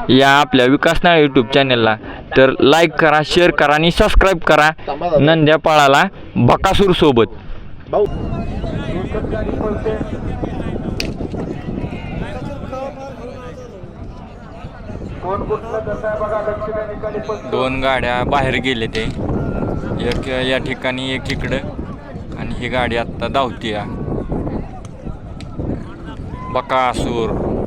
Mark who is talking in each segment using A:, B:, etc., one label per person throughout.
A: या आपल्या विकास नाळे यूट्यूब चॅनलला, तर लाईक करा, शेअर करा आणि सबस्क्राईब करा नंद्या पळाला बकासूर सोबत. दोन गाड्या बाहेर गेले ते, एक या ठिकाणी एक इकडं आणि ही गाडी आत्ता धावती या बकासूर.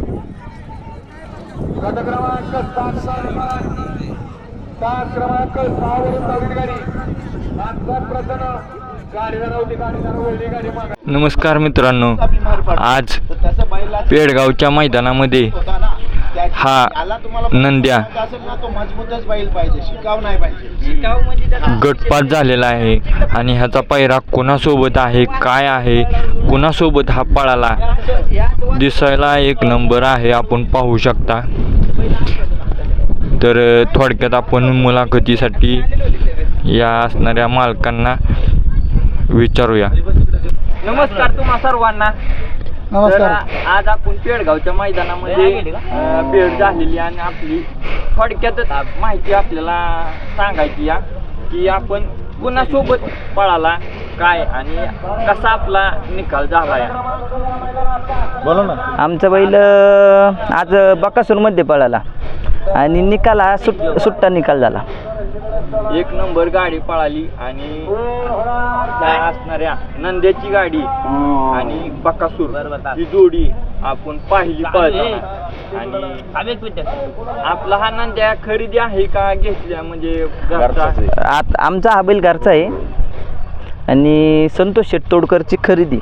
A: नमस्कार मित्रांनो, आज पेडगावच्या मैदानामध्ये हा नंद्या गटपात झालेला आहे आणि ह्याचा पैरा कोणासोबत आहे, काय आहे, कोणासोबत हा पळाला, दिसायला एक नंबर आहे, आपण पाहू शकता. तर थोडक्यात आपण मुलाखतीसाठी या असणाऱ्या मालकांना विचारूया.
B: नमस्कार तुम्हा सर्वांना.
C: नमस्कार.
B: आज आपण पेडगावच्या मैदानामध्ये भेट झालेली आणि आपली थोडक्यातच माहिती आपल्याला सांगायची या की आपण कुणासोबत पळाला, काय आणि कसा आपला निकाल झाला या.
C: बोला ना.
D: आमचा बैल आज बकासूरमध्ये पळाला आणि निकाल हा सुट्टा निकाल झाला.
B: एक नंबर गाडी पळाली आणि त्या असणाऱ्या नंद्याची गाडी आणि बकासूर ही जोडी आपण पाहिली पळताना. आणि आपला हा नंद्या खरेदी आहे का घेतल्या म्हणजे
D: आमचा हा बैल घरचा आहे आणि संतोष शेट तोडकरची खरेदी.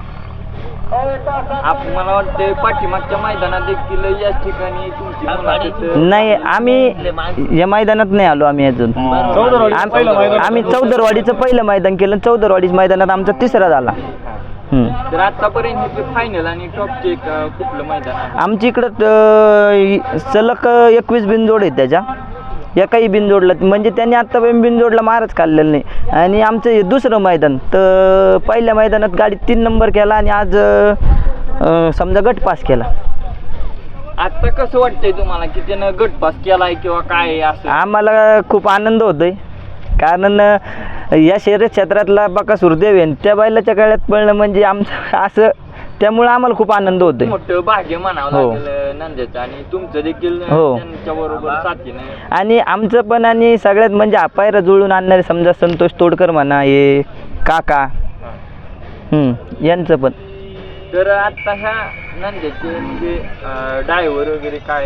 B: मला वाटतं पाठीमागच्या मैदानात देखील याच ठिकाणी तुमची
D: नाही, आम्ही या मैदानात नाही आलो. आम्ही अजून आम्ही चौदरवाडीचं पहिलं मैदान केलं. चौदरवाडीच्या मैदानात आमचा तिसरा झाला.
B: तर आतापर्यंत फायनल आणि टॉपचे कुठलं मैदान आहे?
D: आमच्या इकडं सलग 21 बिनजोड आहेत. त्याच्या एकाही बिनजोडला म्हणजे त्यांनी आत्तापर्यंत बिनजोडला मारच काढलेलं नाही. आणि आमचं हे दुसरं मैदान, तर पहिल्या मैदानात गाडी 3 नंबर केला आणि आज समजा गट पास केला.
B: आता कसं वाटतंय तुम्हाला की त्यानं गट पास केलाय किंवा काय असं?
D: आम्हाला खूप आनंद होतोय, कारण या शहर क्षेत्रातला बकासूर देव आहे त्या बैलाच्या काळात पळणं म्हणजे आमचं असं, त्यामुळे आम्हाला खूप आनंद होतोय.
B: मोठं भाग्य म्हणावं लागेल नंद्याचं आणि तुमचं देखील त्यांच्या बरोबर साथीने.
D: आणि आमचं पण आणि सगळ्यात म्हणजे पायरा जुळून आणणारे समजा संतोष तोडकर म्हणा, हे काका यांचं पण.
B: तर आता ह्या नंद्याचे म्हणजे ड्रायव्हर वगैरे काय?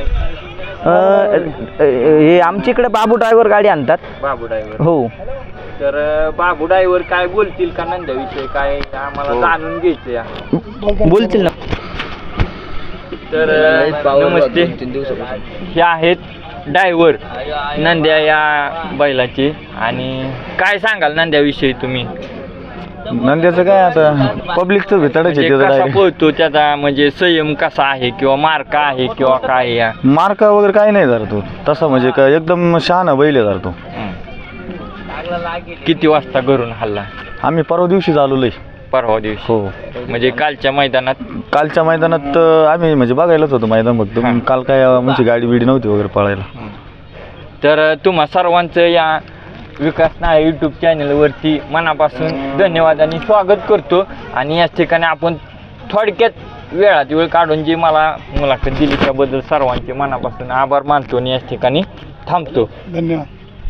D: हे आमच्या इकडे बाबू ड्रायव्हर गाडी आणतात.
B: बाबू ड्रायव्हर.
D: हो.
B: तर बाबू ड्रायव्हर काय बोलतील का नंद्याविषयी, काय आम्हाला जाणून घ्यायचं या.
D: बोलतील ना.
B: तर नमस्ते, हे आहेत ड्रायव्हर नंद्या या बैलाचे. आणि काय सांगाल नंद्याविषयी तुम्ही?
C: नंद्याचं काय आता पब्लिकचं भेटायचं
B: कसा पळतो, त्याचा म्हणजे संयम कसा आहे किंवा मार्का आहे किंवा काय या?
C: मार्का वगैरे काही नाही जरा तो तसा, म्हणजे काय एकदम शहाणा बैल आहे जरा तो.
A: किती वाजता घरून हल्ला?
C: आम्ही परवा दिवशीच आलोय.
A: परवा दिवशी?
C: हो.
A: म्हणजे कालच्या मैदानात
C: आम्ही म्हणजे बघायलाच होतो मैदान फक्त. काल काय म्हणजे गाडी बिडी नव्हती वगैरे पळायला.
A: तर तुम्हा सर्वांचं या विकास नाळे यूट्यूब चॅनलवरती मनापासून धन्यवाद आणि स्वागत करतो. आणि याच ठिकाणी आपण थोडक्यात वेळात वेळ काढून जी मला मुलाखत दिली त्याबद्दल सर्वांचे मनापासून आभार मानतो आणि याच ठिकाणी थांबतो.
C: धन्यवाद.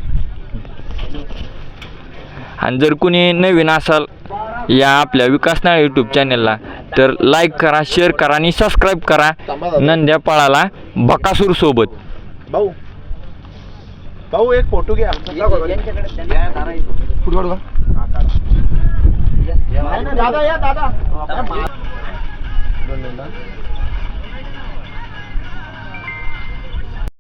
A: आणि जर कुणी नवीन असाल या आपल्या विकास नाळे यूट्यूब चॅनलला, तर लाईक करा, शेअर करा आणि सबस्क्राईब करा नंद्या पळाला बकासूर सोबत.
C: भाऊ एक फोटो घ्या. दादा या दादा.